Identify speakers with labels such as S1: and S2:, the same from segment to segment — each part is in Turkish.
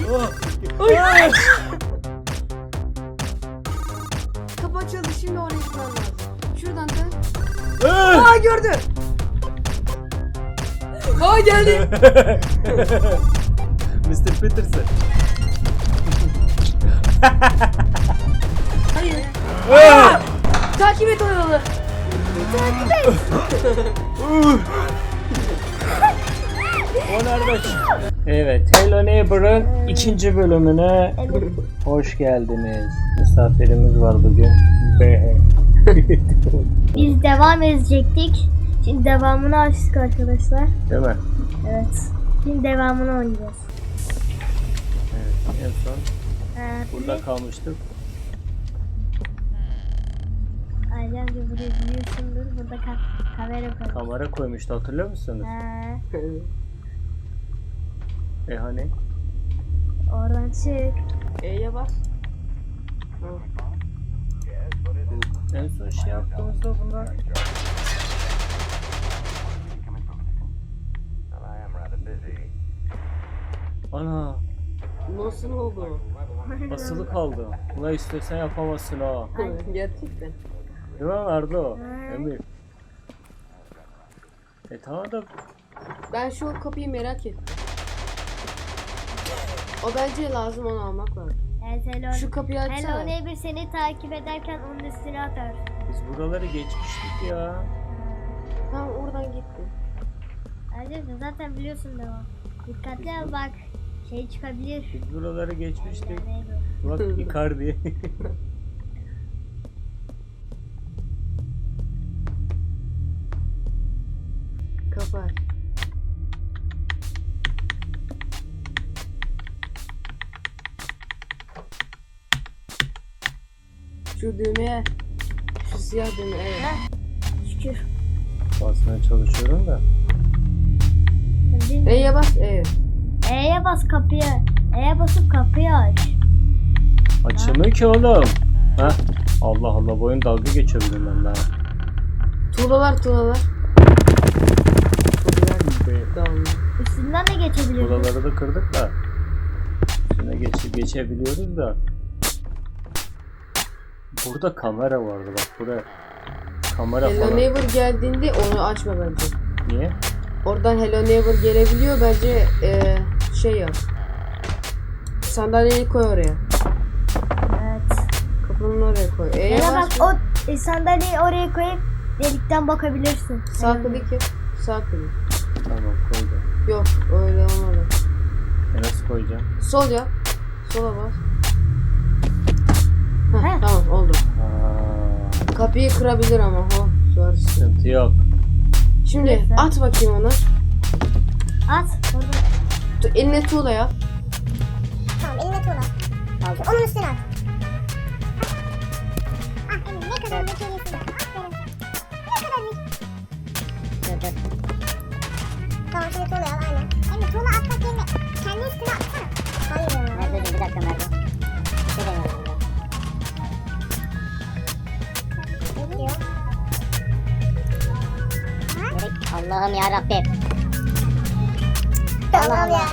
S1: Ay.
S2: Kapı açıldı, şimdi oraya gitmem lazım. Şuradan dön.
S1: Ay.
S2: Aa, gördü. Aa, geldi.
S1: Mr. Peterson.
S2: Hayır.
S1: Aa!
S2: Takip et o yolu.
S1: O nerede? Evet, Hello Neighbor'ın ikinci bölümüne hoş geldiniz. Misafirimiz var bugün. Be.
S3: Biz devam edecektik. Şimdi devamını açtık arkadaşlar.
S1: Değil mi?
S3: Evet. Şimdi devamını oynayacağız.
S1: Evet, en son burada
S3: Burada
S1: kalmıştık.
S3: Aycan bir buraya biliyorsundur. Burada kamera koyduk.
S1: Kamera koymuştu, hatırlıyor musunuz?
S3: Ha,
S1: Hani?
S3: oradan çık.
S2: E'ye bas.
S1: En son şey yaptığımızda bunlar. Ana,
S2: Nasıl oldu?
S1: basılı kaldı. Buna istesen yapamazsın ha.
S2: Gerçekten.
S1: Değil mi Ardo? Emir. Tamam da
S2: Ben şu kapıyı merak ettim. O bence lazım, onu almak lazım.
S3: Evet, Hello.
S2: Şu kapıyı açsana.
S3: Hello Neighbor seni takip ederken onun üstüne atar.
S1: biz buraları geçmiştik ya.
S2: Tamam, oradan gitti.
S3: Aycan sen zaten biliyorsun devam. Dikkatli ol bak. Şey çıkabilir.
S1: Biz buraları geçmiştik.
S3: Hello Neighbor.
S1: Bak Icardi.
S2: Kapı aç. Şu düğmeye. Şu siyah düğme, evet.
S3: Şükür.
S1: Basmaya çalışıyorum da.
S3: Şimdi
S2: E'ye bas, evet.
S3: E'ye bas kapıyı. E'ye basıp kapıyı aç.
S1: Açılmıyor ki oğlum. Ha? Allah Allah, bu oyun dalga geçiyor benimle.
S2: Tuğlalar. Tuğlalar. Tamam.
S3: Üstünden de geçebiliriz.
S1: Buraları da kırdık da. Üstüne geçebiliyoruz da. Burada kamera vardı bak, buraya. Kamera
S2: Hello
S1: falan.
S2: Neighbor geldiğinde onu açma bence.
S1: Niye?
S2: Oradan Hello Neighbor gelebiliyor, bence şey yap. Sandalyeyi koy oraya.
S3: Evet.
S2: Kapının oraya koy. E'ye
S3: Ya da bak
S2: bas.
S3: o sandalyeyi oraya koyup delikten bakabilirsin.
S2: Sağ klik yap. Sağ klik.
S1: Tamam, koydum.
S2: Yok, öyle olmadı.
S1: Nasıl koyacağım?
S2: Sol yap. Sola bas.
S3: He.
S2: Heh, tamam, oldu.
S1: Aa,
S2: Kapıyı kırabilir ama o var.
S1: sıkıntı yok.
S2: Şimdi
S3: Neyse.
S2: at bakayım onu.
S3: At. Orada.
S2: Eline tuğla yap.
S4: Tamam, eline tuğla. Aldım. Onun üstüne at. Ah Emir, ne kadar zekilisin. Aferin. Ne kadar zeki. Tamam, şimdi tuğla al, aynen. Emir, tuğla atmak yerine kendi üstüne atsana. Hayır ya.
S5: Merve bir dakika Merve. Bir şey deniyorum ben.
S4: Ne diyor?
S5: Allah'ım ya Rabbim.
S4: Tamam ya.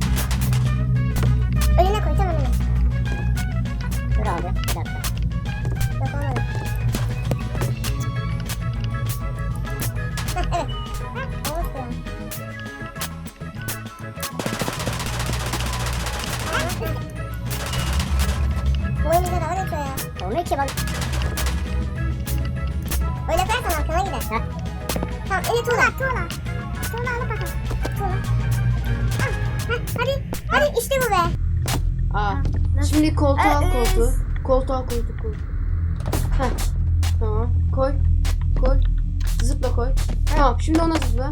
S4: Önüne koy, tam önüne.
S5: Dur abi bir dakika.
S4: Yok, olmadı. Heh, evet. Heh, olmuş ya. Bu oyun bize dalga geçiyor ya.
S5: Olmuyor ki bak.
S4: Öyle yaparsan arkana gider.
S5: Heh.
S4: Tamam, eli tuğla. Tuğla. Tuğla alıp bakalım. Tuğla. Ah, heh, hadi işte bu be.
S2: Aa.
S3: Nasıl?
S2: Şimdi koltuğu al,
S3: Evet.
S2: koltuğu. Koltuğu al, koltuğu. Heh. Tamam. Koy. Koy. Zıpla koy. Tamam, şimdi ona zıpla.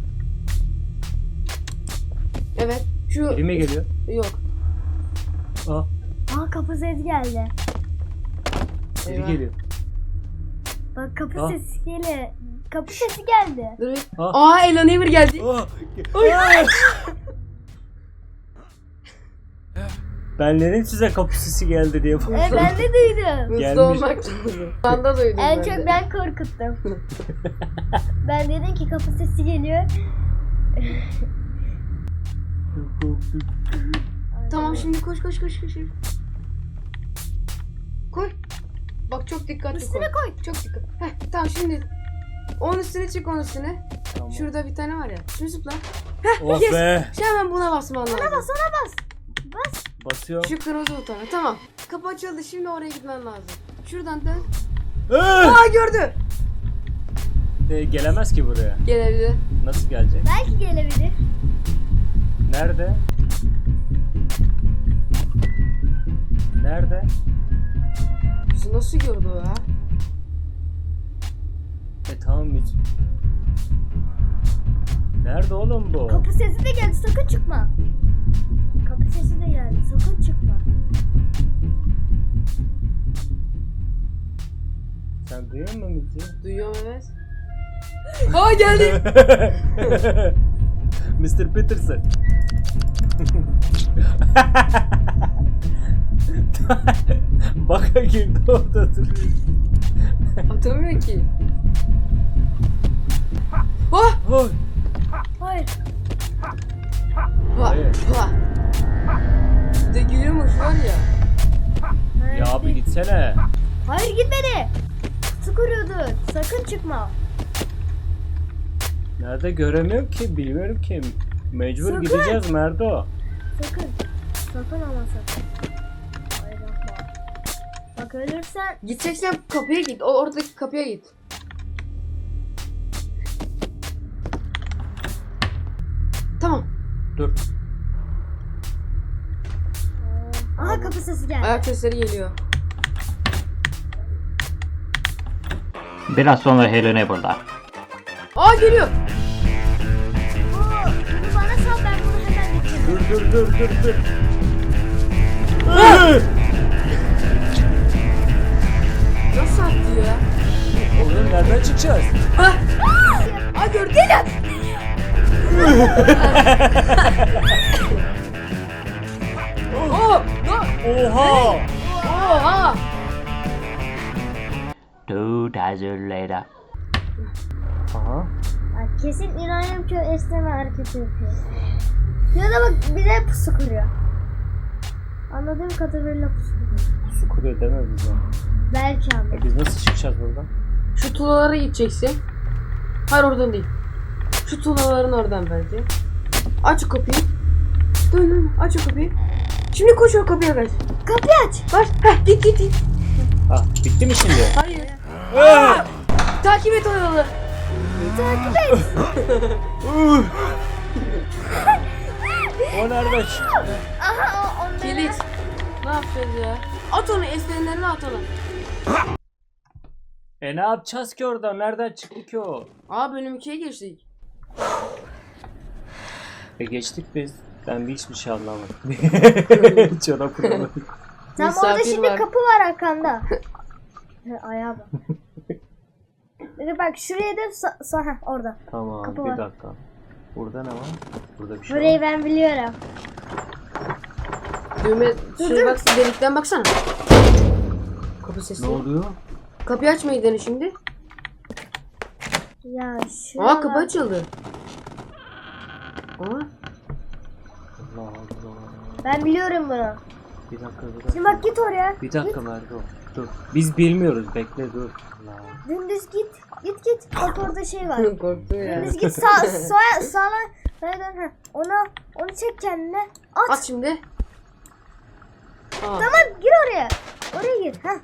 S2: Evet. Şu
S1: Biri mi geliyor?
S2: yok.
S1: Aa,
S3: Aa, kapı sesi geldi.
S1: biri
S2: Eyvah.
S1: geliyor.
S3: Bak kapı
S1: Aa.
S3: sesi geliyor. Kapı sesi geldi.
S2: Dur bir.
S1: Aa.
S2: Aa, Hello Neighbor geldi.
S1: Aa, ben dedim size kapı sesi geldi diye.
S3: Ben de duydum.
S2: Hızlı
S1: Gelmiş.
S2: olmak lazım. Ben de duydum.
S3: En
S2: ben
S3: çok
S2: de.
S3: ben korkuttum. Ben dedim ki kapı sesi geliyor.
S2: Tamam şimdi koş. Koy. Bak çok dikkatli
S3: Üstüne
S2: koy. Çok dikkat. Heh, tamam şimdi. Onun üstüne çık onun üstüne.
S1: Tamam.
S2: Şurada bir tane var ya. Şimdi zıpla.
S1: Oh
S2: yes.
S1: be.
S2: Şimdi hemen buna basman lazım.
S3: Ona bas.
S1: Basıyorum.
S2: Şu kırmızı butona. Tamam. Kapı açıldı. Şimdi oraya gitmen lazım. Şuradan dön.
S1: Ah!
S2: Aa gördü.
S1: Gelemez ki buraya.
S2: Gelebilir.
S1: Nasıl gelecek?
S3: Belki gelebilir.
S1: Nerede? Nerede?
S2: Bizi nasıl gördü o ya?
S1: Tamam biz. Nerede oğlum bu?
S3: Kapı sesi de geldi, sakın çıkma. Kapı sesi de geldi, sakın çıkma.
S1: Sen duyuyor musun bizi?
S2: Duyuyorum evet. Aa geldi.
S1: Mr. Peterson. Baka girdi orada duruyor.
S2: Atamıyor ki. Oh!
S1: Oy.
S3: Hayır.
S2: Ha!
S1: Hayır.
S2: Ha! Bir de gülüyormuş var ya.
S3: Hayır,
S1: Ya abi
S3: değil.
S1: gitsene.
S3: Hayır gitmedi. Kutu kuruyordu. Sakın çıkma.
S1: Nerede göremiyorum ki, bilmiyorum ki. Mecbur
S3: Sakın.
S1: gideceğiz Merdo.
S3: Sakın. Sakın ama sakın. Hayır yapma. Bak ölürsen
S2: Gideceksen kapıya git. Oradaki kapıya git. Tamam.
S1: Dur.
S3: aha kapı sesi geldi.
S2: Ayak sesleri geliyor.
S6: Biraz sonra Helena burada.
S2: Aa geliyor.
S3: Bunu bana sal, ben bunu hemen bitiririm.
S1: Dur.
S2: Nasıl attı ya?
S1: Oğlum nereden çıkacağız?
S2: Ha! Aa gördü lan. Oh!
S1: Oha!
S2: Oha!
S6: 2 days later.
S1: Aha.
S3: Bak, kesin İbrahim Köy esneme hareketi yapıyor. Ya da bak bize pusu kuruyor. Anladığım kadarıyla pusu kuruyor.
S1: Su kuruyor deme bize.
S3: Belki ama.
S1: Biz nasıl çıkacağız buradan?
S2: Şu tuğlalara gideceksin. Hayır oradan değil. Şu tuğlaların oradan bence. Aç o kapıyı. Dön aç o kapıyı. Şimdi koş o kapıya kaç.
S3: Kapıyı aç.
S2: Var. Heh git.
S1: Ah bitti mi şimdi?
S2: Hayır. Aa! Takip et o yolu.
S3: Takip et.
S1: O nereden çıktı?
S3: Aha o onları.
S2: Kilit. Ne yapacağız ya? At onu esneyenlerine at onu.
S1: Ne yapacağız ki orada? Nereden çıktı ki o?
S2: Aa bölüm 2'ye geçtik.
S1: Geçtik biz. Ben hiçbir şey anlamadım. Çorap kuramadım.
S3: Tam
S2: Misafir
S3: orada şimdi
S2: var.
S3: kapı var arkanda. Ayağa bak. Bir bak şuraya da orada.
S1: Tamam
S3: Kapı
S1: bir
S3: var.
S1: dakika. Burada ne var? Burada bir şey
S3: Burayı
S1: var.
S3: ben biliyorum.
S2: Düğme şuraya bak delikten baksana. Kapı sesi.
S1: Ne oluyor?
S2: Kapıyı açmayı dene şimdi.
S3: Ya şu.
S2: Aa kapı açıldı. Aa.
S1: Allah Allah.
S3: Ben biliyorum bunu.
S1: Bir dakika.
S3: Şimdi bak git oraya.
S1: Bir dakika Merdo. Dur. Biz bilmiyoruz. Bekle dur. Allah.
S3: Dümdüz git. Git. Bak orada şey var.
S2: Korktum ya.
S3: Dümdüz git sağa dön. Ha. Onu çek kendine. At.
S2: At şimdi. Aa.
S3: Tamam gir oraya. Oraya gir. Ha.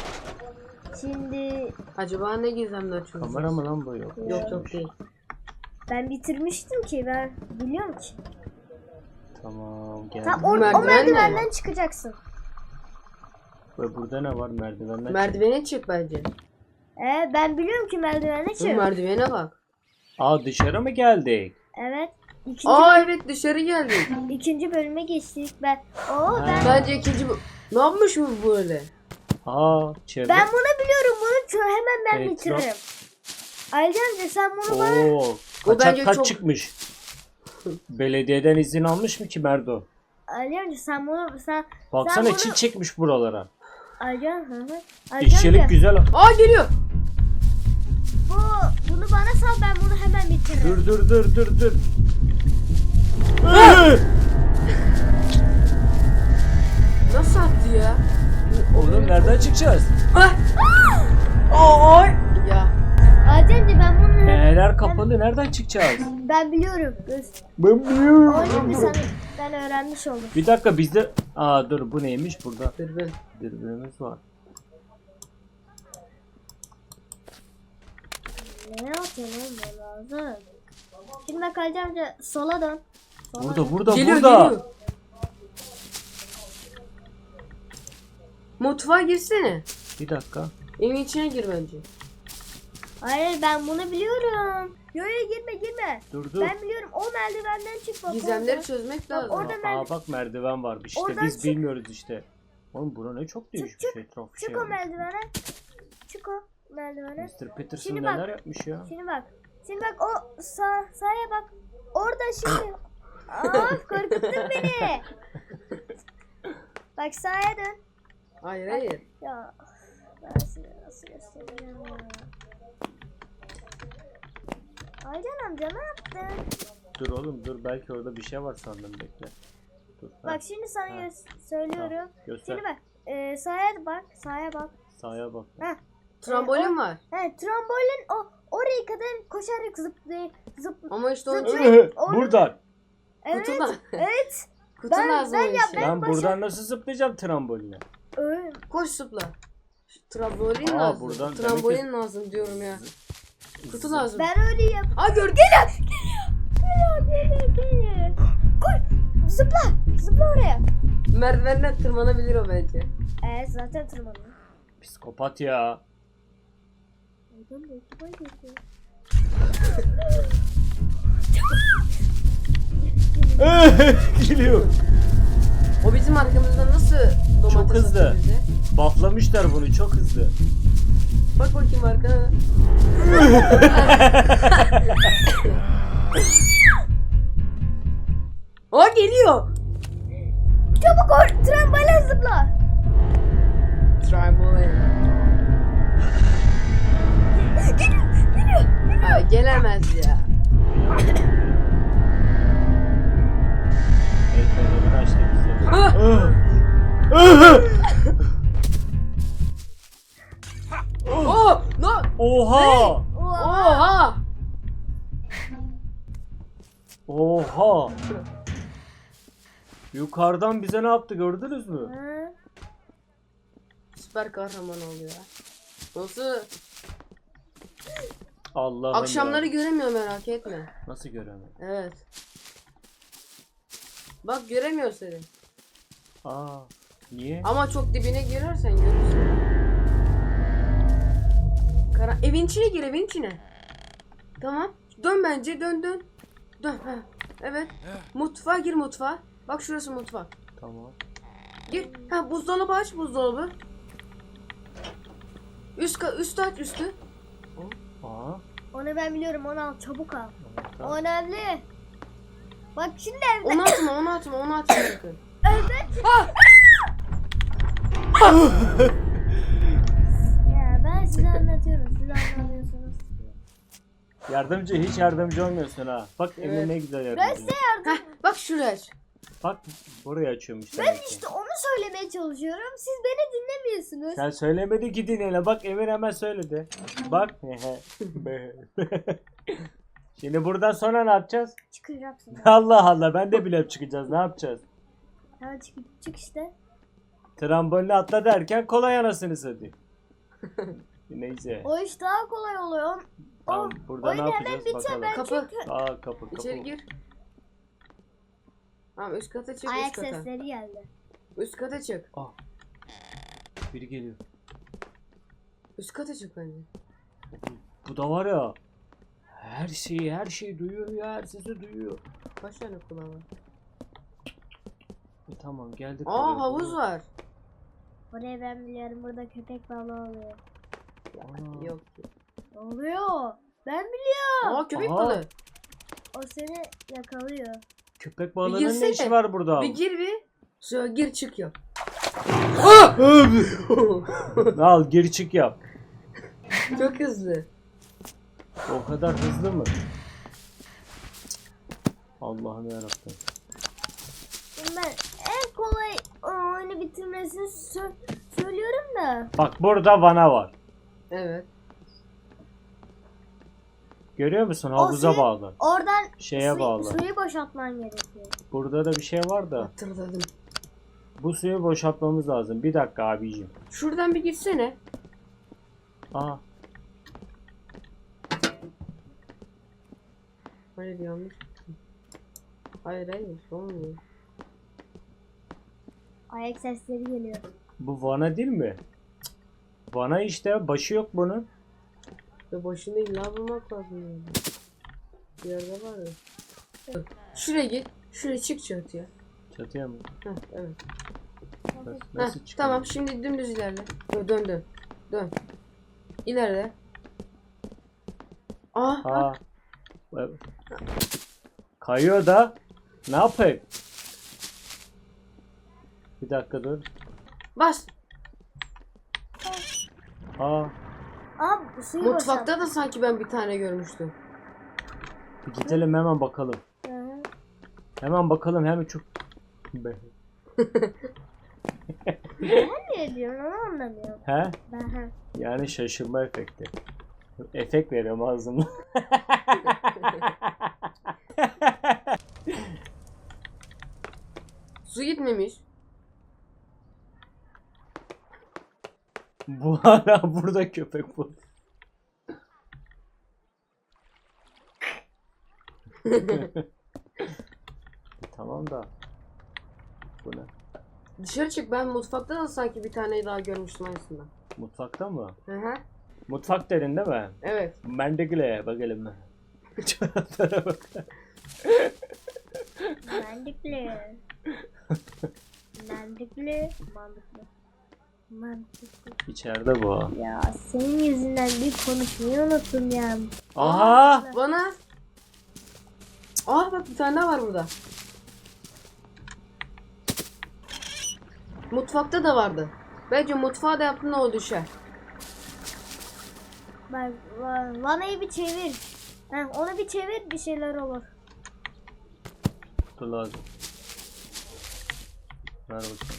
S3: Şimdi
S2: Acaba ne gizemli açıyoruz?
S1: Kamera mı lan bu yok?
S2: Yok değil.
S3: ben bitirmiştim ki ben biliyorum ki.
S1: Tamam geldim.
S3: Tamam o
S2: merdiven
S3: merdivenden çıkacaksın.
S1: Ve burada ne var merdivenden?
S2: Merdivene çık bence.
S3: Ben biliyorum ki merdivenden
S2: Şu
S3: çık.
S2: merdivene bak.
S1: Aa dışarı mı geldik?
S3: Evet.
S2: Aa evet dışarı geldik.
S3: İkinci bölüme geçtik. Ben
S2: Bence ikinci bu. Ne yapmış bu böyle?
S1: Aa çevre.
S3: ben bunu biliyorum. Bunu hemen ben
S1: Evet,
S3: bitiririm. Ayrıca sen bunu bana
S1: Oo.
S2: O
S1: Kaçak
S2: bence
S1: kaç
S2: çok-
S1: çıkmış. Belediyeden izin almış mı ki Merdo?
S3: Ayrıca sen bunu
S1: Baksana
S3: bunu-
S1: çil çekmiş buralara.
S3: Ayrıca
S1: İşçilik güzel.
S2: Aa geliyor.
S3: bunu bana sal, ben bunu hemen bitiririm.
S1: Dur.
S2: ya?
S1: Oğlum nereden çıkacağız?
S2: Ay! Ya.
S3: Ademci ben bunu
S1: Neler kapalı, nereden çıkacağız?
S3: ben biliyorum.
S1: Ben biliyorum.
S3: Oyunu bir ben öğrenmiş oldum.
S1: Bir dakika bizde... Aa dur, bu neymiş burada?
S2: Dürbün.
S1: Dürbünümüz var.
S3: Ne yapıyorsun oğlum ben lazım. Şimdi bak Ali amca sola dön. Sola dön.
S1: Burada
S2: Geliyor
S1: burada.
S2: geliyor. Mutfağa girsene.
S1: Bir dakika.
S2: Evin içine gir bence.
S3: Hayır ben bunu biliyorum. Yo girme.
S1: Dur dur.
S3: Ben biliyorum o merdivenden çık bak.
S2: Gizemleri
S3: orada.
S2: çözmek
S3: Bak,
S2: lazım.
S3: orada
S1: Aa bak merdiven varmış işte,
S3: Oradan
S1: biz
S3: çık.
S1: bilmiyoruz işte. Oğlum bura ne çok değişmiş
S3: çık.
S1: etraf.
S3: Çık o merdivene. Çık o merdivene.
S1: Mr. Peterson
S3: Şimdi bak.
S1: neler yapmış ya.
S3: Şimdi bak o sağa bak. Orada şimdi. Of korkuttun beni. Bak sağa dön.
S2: Hayır.
S3: Ya ben size nasıl göstereceğim ya. Aycan amca ne yaptın?
S1: Dur oğlum dur, belki orada bir şey var sandım, bekle. Dur.
S3: Bak şimdi sana söylüyorum.
S1: Göster.
S3: Şimdi bak. Sağa bak.
S1: Sağa bak.
S3: Heh.
S2: Trambolin var.
S3: He trambolin oraya kadar koşarak zıp.
S2: Ama işte onun için
S1: Buradan.
S3: Evet.
S2: kutudan.
S3: Evet.
S2: Kutu
S3: Ben-
S2: lazım
S3: ben
S2: o
S3: yap-
S2: işe.
S1: Ben buradan nasıl zıplayacağım tramboline?
S3: Öyle.
S2: Koş zıpla. Trambolin
S1: Aa,
S2: lazım.
S1: buradan
S2: Trambolin
S1: demek
S2: lazım diyorum ya. Kutu lazım.
S3: Ben öyle yap.
S2: Aa gördün.
S3: Geliyor. Koy. Zıpla oraya.
S2: Merdivenden tırmanabilir o bence.
S3: Evet zaten tırmanıyor.
S1: Psikopat ya. Geliyor.
S2: O bizim arkamızda nasıl domates
S1: Çok hızlı.
S2: atıyor bize?
S1: Bufflamışlar bunu, çok hızlı.
S2: Bak bakayım arkana. Aa geliyor.
S3: Çabuk trambolin zıpla.
S2: Trambolin.
S3: Geliyor.
S2: Aa, gelemez ya.
S1: El fenerini açtı bize.
S2: Oh, no.
S1: Oha!
S2: Oha.
S1: Oha! Yukarıdan bize ne yaptı, gördünüz mü?
S3: Ha.
S2: Süper kahraman oluyor. Nasıl?
S1: Allah'ım
S2: Akşamları
S1: ya.
S2: göremiyor, merak etme.
S1: Nasıl göremem?
S2: Evet. Bak göremiyor seni.
S1: Aa, niye?
S2: Ama çok dibine girersen görürsün. Evin içine gir, evin içine. Tamam. Dön bence, dön. Dön. Ha. Evet. Mutfağa gir, mutfağa. Bak şurası mutfak.
S1: Tamam.
S2: Gir. Ha, buzdolabı aç, buzdolabı. Üstü aç, üstü.
S1: Aa,
S3: Onu ben biliyorum onu al çabuk al.
S1: tamam.
S3: O önemli. Bak şimdi evde.
S2: Onu atma sakın.
S3: Ya ben size anlatıyorum. Siz anlamıyorsunuz.
S1: Yardımcı, hiç yardımcı olmuyorsun ha. Bak Emir
S2: Evet.
S1: ne güzel
S3: Ben
S1: yardımcı.
S3: size
S2: Heh, bak şuraya aç.
S1: Bak burayı açıyormuş
S3: Ben
S1: demek ki.
S3: işte onu söylemeye çalışıyorum. Siz beni dinlemiyorsunuz.
S1: Sen söylemedi ki dinle. Bak Emir hemen söyledi. Bak. Şimdi buradan sonra ne yapacağız?
S3: Çıkacaksın.
S1: Allah Allah, ben de bile çıkacağız. Ne yapacağız?
S3: Ya çık işte.
S1: Tramboline atla derken kolay anasını satayım. Neyse.
S3: O iş daha kolay oluyor.
S1: Tamam, burada ne
S3: oyun hemen
S1: yapacağız
S3: bitiyor.
S1: bakalım.
S3: Ben
S2: Kapı.
S3: çünkü
S1: Aa, kapı.
S2: İçeri gir. Tamam, üst kata çık,
S3: ayak
S2: üst kata.
S3: sesleri geldi.
S2: Üst kata çık.
S1: Ah. Biri geliyor.
S2: Üst kata çık bence.
S1: Bu da var ya. Her şeyi duyuyor ya. Her sesi duyuyor.
S2: Kaç tane kulağı var?
S1: Tamam, geldik.
S2: Aa,
S1: oraya,
S2: havuz
S1: buraya.
S2: var.
S3: Orayı ben biliyorum. Burada köpek balığı oluyor.
S1: Aa.
S2: Yok.
S3: Oluyor. Ben biliyorum.
S2: Aa, köpek
S1: Aha.
S2: balığı.
S3: O seni yakalıyor.
S1: Köpek balığının
S2: girsene.
S1: ne işi var burada?
S2: Bir gir bir. Şöyle gir çık yap.
S1: Al, geri çık yap.
S2: Çok hızlı.
S1: O kadar hızlı mı? Allah'ım yarabbim.
S3: Şimdi ben en kolay oyunu bitirmesini söylüyorum da.
S1: Bak burada vana var.
S2: Evet.
S1: Görüyor musun? Havuza
S3: suyu-
S1: bağlı.
S3: Oradan
S1: Şeye bağlı.
S3: suyu boşaltman gerekiyor.
S1: Burada da bir şey var da.
S2: Hatırladım.
S1: Bu suyu boşaltmamız lazım. Bir dakika abicim.
S2: Şuradan bir gitsene.
S1: Aa.
S2: Hayır yanlış. Hayır olmuyor.
S3: Ayak sesleri geliyor.
S1: Bu vana değil mi? Cık. Vana işte. Başı yok bunun.
S2: Ve başını illa bulmak lazım yani. Bir yerde var ya. Şuraya git. Şuraya çık çatıya.
S1: Çatıya mı?
S2: Heh, evet.
S1: Nasıl
S2: Heh,
S1: çıkıyor?
S2: tamam şimdi dümdüz ilerle. Dön. Dön. İlerle. Bak.
S1: Aa. Kayıyor da. Ne yapayım? Bir dakika dur.
S2: Bas.
S3: Aa bu suyu
S2: Mutfakta da sanki ben bir tane görmüştüm.
S1: Bir gidelim hemen bakalım.
S3: Hı.
S1: Hemen bakalım hemen çok.
S3: Ben ne diyorum onu anlamıyorum.
S1: He?
S3: Ben
S1: Yani şaşırma efekti. Efekt veriyorum ağzımda.
S2: Su gitmemiş.
S1: Bu hala burada köpek bu. Tamam da. Bu ne?
S2: Dışarı çık, ben mutfakta da sanki bir tane daha görmüştüm aynısından.
S1: Mutfakta mı?
S2: Hı hı.
S1: Mutfak dedin değil mi?
S2: Evet.
S1: Ben de güle bakalım. Çoraplara bak.
S3: Mantıklı. Mantıklı.
S1: İçeride bu.
S3: Ya senin yüzünden bir konuşmayı unuttum ya.
S1: Aha!
S2: Bana. Bak bir tane daha var burada. Mutfakta da vardı. Bence mutfağa da yaptığında o düşer.
S3: Bak vanayı bir çevir. Onu bir çevir bir şeyler olur.
S1: Dur lazım. Ver bakayım.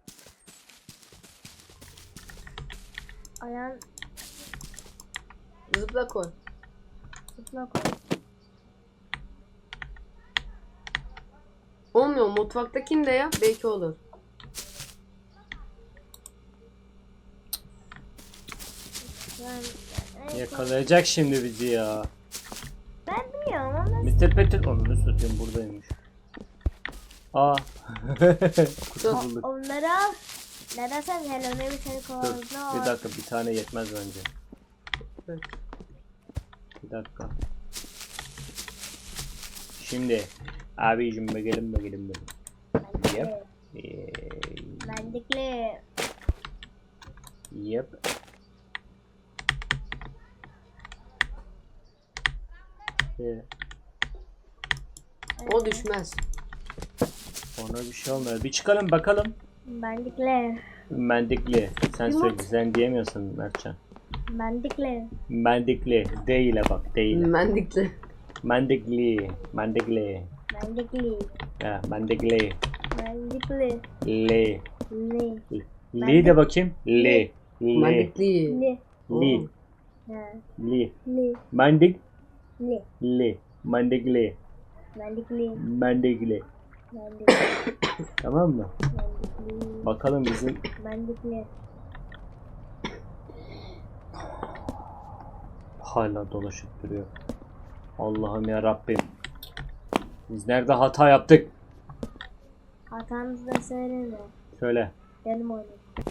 S3: Ayağın
S2: Zıpla koy.
S3: tutma koy.
S2: Olmuyor, mutfaktakini de yap belki olur.
S1: Yakalayacak şimdi bizi ya.
S3: Ben biliyorum ama
S1: Mr. Peter onu satayım buradaymış. Aa. Kurtulduk.
S3: onları al. Neden sen Hello Neighbor seni
S1: Dur
S3: kovaladın?
S1: bir dakika bir tane yetmez bence.
S2: Evet.
S1: Bir dakika. Şimdi abicim bakalım. Yep.
S3: Mendikli.
S1: Yep.
S2: O düşmez.
S1: Ona bir şey olmuyor. Bir çıkalım bakalım.
S3: Mendikli.
S1: Mendikli. Sen
S2: Yumurt.
S1: söyle. Sen diyemiyorsun Mertcan.
S3: Mendikli.
S1: Mendikli. Değile bak değile.
S2: Mendikli.
S1: Mendikli.
S3: Mendikli.
S1: Ha, mendikli.
S3: Mendikli.
S1: Le.
S3: Li.
S1: Li de bakayım. Le. Le.
S2: Mendikli.
S3: Li.
S1: Li.
S3: Ha.
S1: Li.
S3: Li.
S1: Mendik.
S3: Li.
S1: Le. Mendikli.
S3: Mendikli.
S1: Mendikli.
S3: Mendikli.
S1: Tamam mı?
S3: Mendikli.
S1: Bakalım bizim
S3: Mendikli.
S1: hala dolaşıp duruyor. Allah'ım ya Rabbim. Biz nerede hata yaptık?
S3: Hatanızı da söyleme.
S1: Söyle.
S3: Benim oyunum.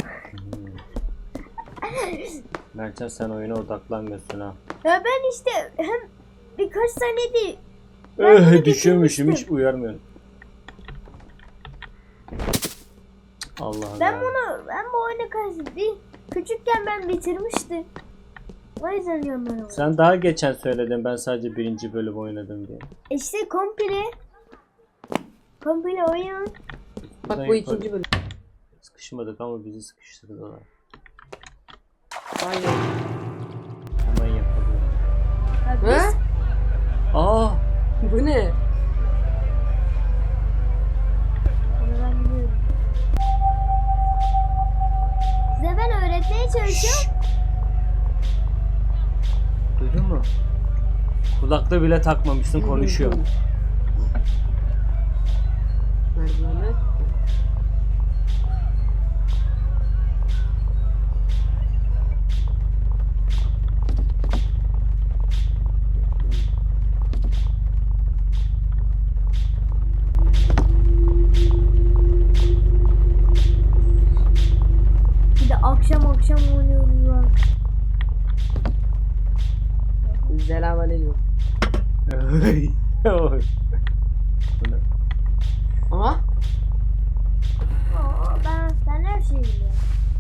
S1: Mertcan sen oyuna odaklanmıyorsun ha.
S3: Ya ben işte hem birkaç tane değil. Ben bunu
S1: Düşüyormuşum hiç
S3: bitirmiştim.
S1: uyarmıyorum. Allah'ım
S3: Ben
S1: ya.
S3: bu oyuna karşı küçükken ben bitirmiştim. O yüzden diyorum ben onu.
S1: Sen daha geçen söyledin ben sadece birinci bölüm oynadım diye.
S3: İşte komple oyun.
S2: Bak
S1: Buradan
S2: bu
S1: yaparım.
S2: ikinci bölüm.
S1: Sıkışmadık ama bizi sıkıştırdılar.
S2: Aynen.
S1: Hemen yapalım.
S3: Ya
S2: He?
S3: biz
S1: Aa!
S2: Bu ne?
S3: Onu ben biliyorum. çalışıyorum.
S1: Duydun mu? Kulaklığı bile takmamışsın, konuşuyor.
S2: Merdivenler.
S3: Bir de akşam oynuyoruz lan.
S2: Selamünaleyküm.
S1: Bu ne?
S2: Aha.
S3: Aa, ben her şeyi biliyorum.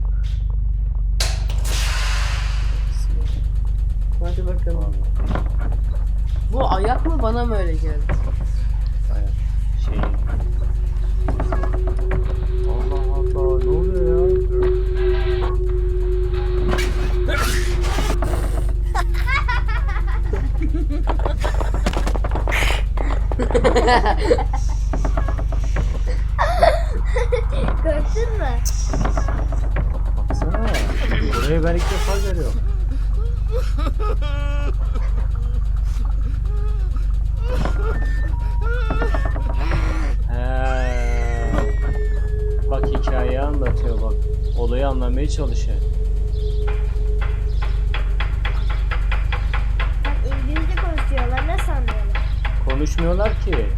S2: Hadi bakalım. Bu ayak mı bana mı öyle geldi?
S1: Ayak. Şey. Allah Allah, ne oluyor ya?
S3: Gördün mü?
S1: Baksana. Burayı ben ilk defa görüyorum. He. Bak hikayeyi anlatıyor bak. Olayı anlamaya çalışıyor.
S3: Bak İngilizce konuşuyorlar. Nasıl anlıyorlar?
S1: Konuşmuyorlar ki.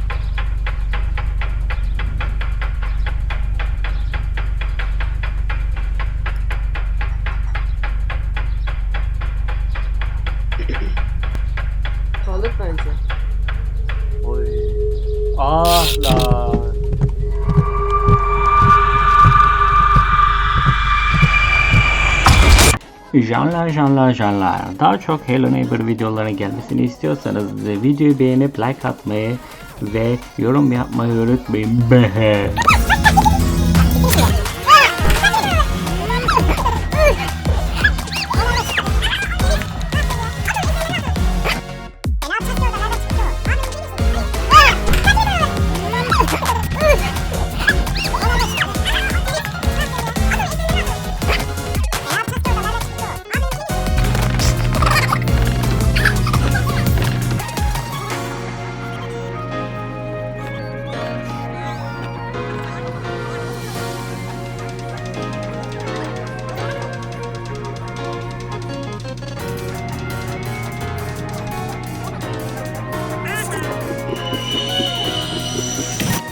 S2: Kaldık bence.
S1: Oy. Ah lan.
S6: Canlar. Daha çok Hello Neighbor videolarının gelmesini istiyorsanız videoyu beğenip like atmayı ve yorum yapmayı unutmayın.